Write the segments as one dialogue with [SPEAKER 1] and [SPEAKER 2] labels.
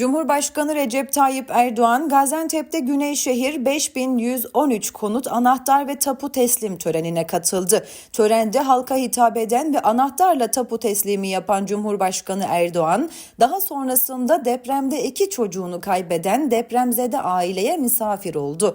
[SPEAKER 1] Cumhurbaşkanı Recep Tayyip Erdoğan, Gaziantep'te Güneyşehir 5113 konut anahtar ve tapu teslim törenine katıldı. Törende halka hitap eden ve anahtarla tapu teslimi yapan Cumhurbaşkanı Erdoğan, daha sonrasında depremde 2 çocuğunu kaybeden depremzede aileye misafir oldu.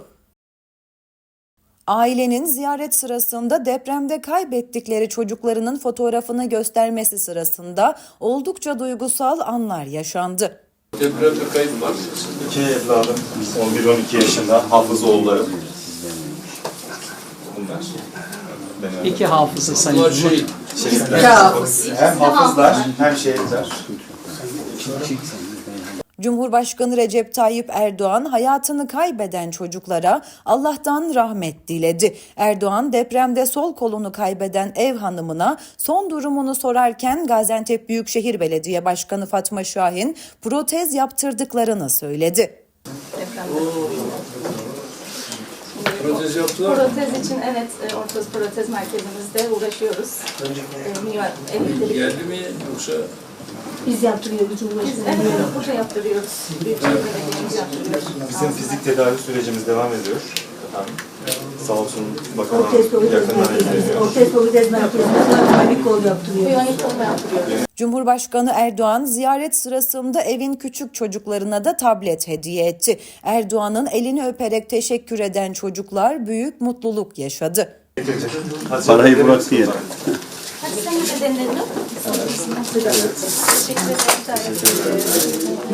[SPEAKER 1] Ailenin ziyaret sırasında depremde kaybettikleri çocuklarının fotoğrafını göstermesi sırasında oldukça duygusal anlar yaşandı.
[SPEAKER 2] Depremde kayıp var.
[SPEAKER 3] 2 evladım, 11-12 yaşında, hafız oğullarım. Bunlar.
[SPEAKER 4] İki hafızı sayın.
[SPEAKER 2] Bunlar
[SPEAKER 3] Şehitler. Hem hafızlar hem şehitler.
[SPEAKER 1] Cumhurbaşkanı Recep Tayyip Erdoğan hayatını kaybeden çocuklara Allah'tan rahmet diledi. Erdoğan depremde sol kolunu kaybeden ev hanımına son durumunu sorarken Gaziantep Büyükşehir Belediye Başkanı Fatma Şahin protez yaptırdıklarını söyledi.
[SPEAKER 2] protez yaptılar mı?
[SPEAKER 5] Protez için evet, Ortoz Protez Merkezimizde uğraşıyoruz.
[SPEAKER 2] Geldi mi yoksa?
[SPEAKER 6] Biz yaptırıyoruz
[SPEAKER 5] Biz
[SPEAKER 6] Cumhurbaşkanı.
[SPEAKER 5] evet, burada yaptırıyoruz. Büyükşehir Belediye'miz yaptırıyoruz.
[SPEAKER 3] Bizim fizik tedavi sürecimiz devam ediyor. Sağ olsun bakanım
[SPEAKER 6] Ortoz Protez
[SPEAKER 3] yakından
[SPEAKER 6] Merkezimizde.
[SPEAKER 3] izleniyor.
[SPEAKER 6] Ortoz Protez Merkezimizde kronik kol yaptırıyoruz.
[SPEAKER 5] Biyonik olma yaptırıyoruz.
[SPEAKER 1] Cumhurbaşkanı Erdoğan ziyaret sırasında evin küçük çocuklarına da tablet hediye etti. Erdoğan'ın elini öperek teşekkür eden çocuklar büyük mutluluk yaşadı.
[SPEAKER 3] Parayı bırak diye.
[SPEAKER 5] Hadi sen de denedin mi? Teşekkür ederim.